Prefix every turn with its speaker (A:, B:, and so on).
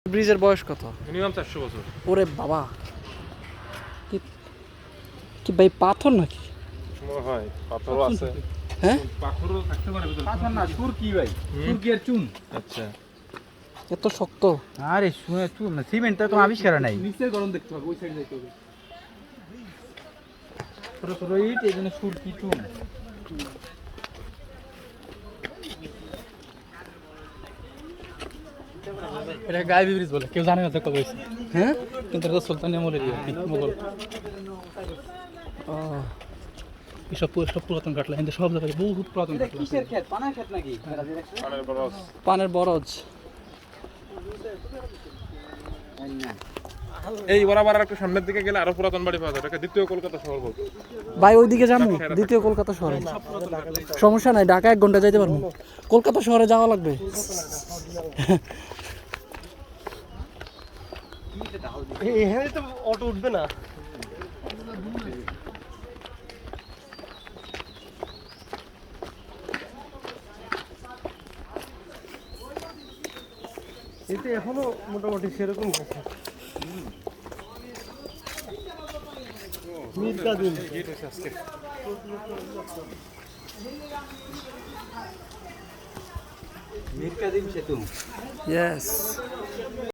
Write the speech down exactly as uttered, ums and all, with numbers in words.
A: ব্রিজের বয়স কত?
B: মিনিমাম চারশো বছর।
A: ওরে বাবা, কি কি ভাই পাথর নাকি?
B: সময় হয় পাথরও আছে।
A: হ্যাঁ,
B: পাথরও থাকতে পারে ভিতরে।
C: পাথর না, সুর কি ভাই? সুর কি আর চুন?
B: আচ্ছা
A: এত শক্ত।
C: আরে শুনে চুন না, সিমেন্টটা তো আবিষ্কার নাই।
D: নিচে গরম দেখতে হবে, ওই সাইড যাইতে হবে।
C: ছোট ছোট ইট, এই জন্য সুর কি চুন।
D: এটা গায়েবী ব্রিজ বলে, কেউ জানে না তো কবে হয়েছে।
A: হ্যাঁ,
D: কিন্তু এটা সুলতান আমলের ইয়ে, মোগল।
A: ও,
D: এসব পুরো সব পুরাতন কাটলা, কিন্তু সব জায়গায় বহুত পুরাতন
C: এটা
D: কাটলা।
C: কিসের ক্ষেত? পানার ক্ষেত নাকি?
B: পানের বরফ।
A: পানের বরজ।
B: এই বরাবর আর একটু সামনের দিকে গেলে আরো পুরাতন বাড়ি পাওয়া যায়, এটাকে দ্বিতীয় কলকাতা শহর বলতো।
A: ভাই ওইদিকে যাবো, দ্বিতীয় কলকাতা শহরে। সমস্যা নাই, ঢাকা এক ঘন্টা যাইতে পারবো। কলকাতা শহরে যাওয়া লাগবে।
D: এখানে তো অটো উঠবে না। এতে এখনো মোটামুটি সেরকম আছে। মীর কাদিম
C: মীর কাদিম সেতু।
A: ইয়েস।